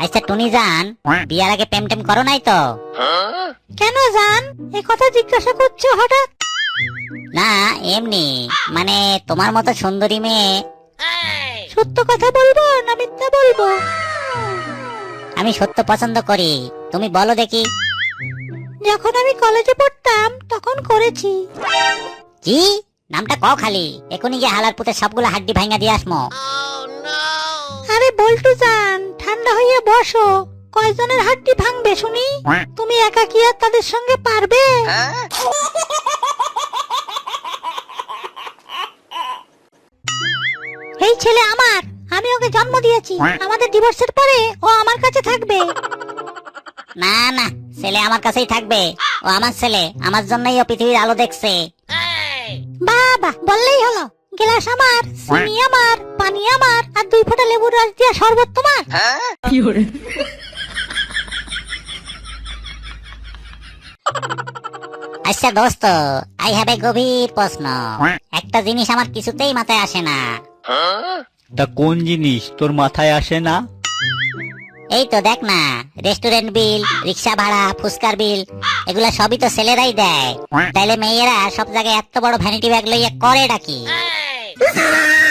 আচ্ছা টুনি জান, বিয়ার আগে প্রেম টেম করো নাই তো? কেন জান এ কথা জিজ্ঞাসা করছো হঠাৎ? না এমনি, মানে তোমার মতো সুন্দরী মেয়ে। সত্য কথা বলবো না মিথ্যা বলবো? আমি সত্য পছন্দ করি, তুমি বলো দেখি। যখন আমি কলেজে পড়তাম তখন করেছি। কি নামটা কও খালি, এখনই গিয়ে হালার পুতে সবগুলো হাড্ডি ভাঙা দিয়ে আসমো। আরে বল্টু জান, ঠান্ডা হইয়া বসো। কয়জনের হাড্ডি ভাঙবে শুনি? তুমি একা কি আর তাদের সঙ্গে পারবে? এই ছেলে আমার, আমি ওকে জন্ম দিয়েছি। আমাদের ডিভোর্সের পরে ও আমার কাছে থাকবে। না না, ছেলে আমার কাছেই থাকবে। ও আমার ছেলে, আমার জন্যই ও পৃথিবীর আলো দেখছে। বাবা বললেই হলো। গ্লাস আমার, চিনি আমার, পানি আমার, আর 2 ফোঁটা লেবুর রস দিয়া শরবত তোমার। আচ্ছা দোস্ত, আই হ্যাভ এ গভীর প্রশ্ন। একটা জিনিস আমার কিছুতেই মাথায় আসে না। তা কোন জিনিস তোর মাথায় আসে না? এই তো দেখ না, রেস্টুরেন্ট বিল, রিক্সা ভাড়া, ফুচকার বিল, এগুলা সবই তো ছেলেরাই দেয়। তাইলে মেয়েরা সব জায়গায় এত বড় ভ্যানিটি ব্যাগ লইয়া করে ডাকি।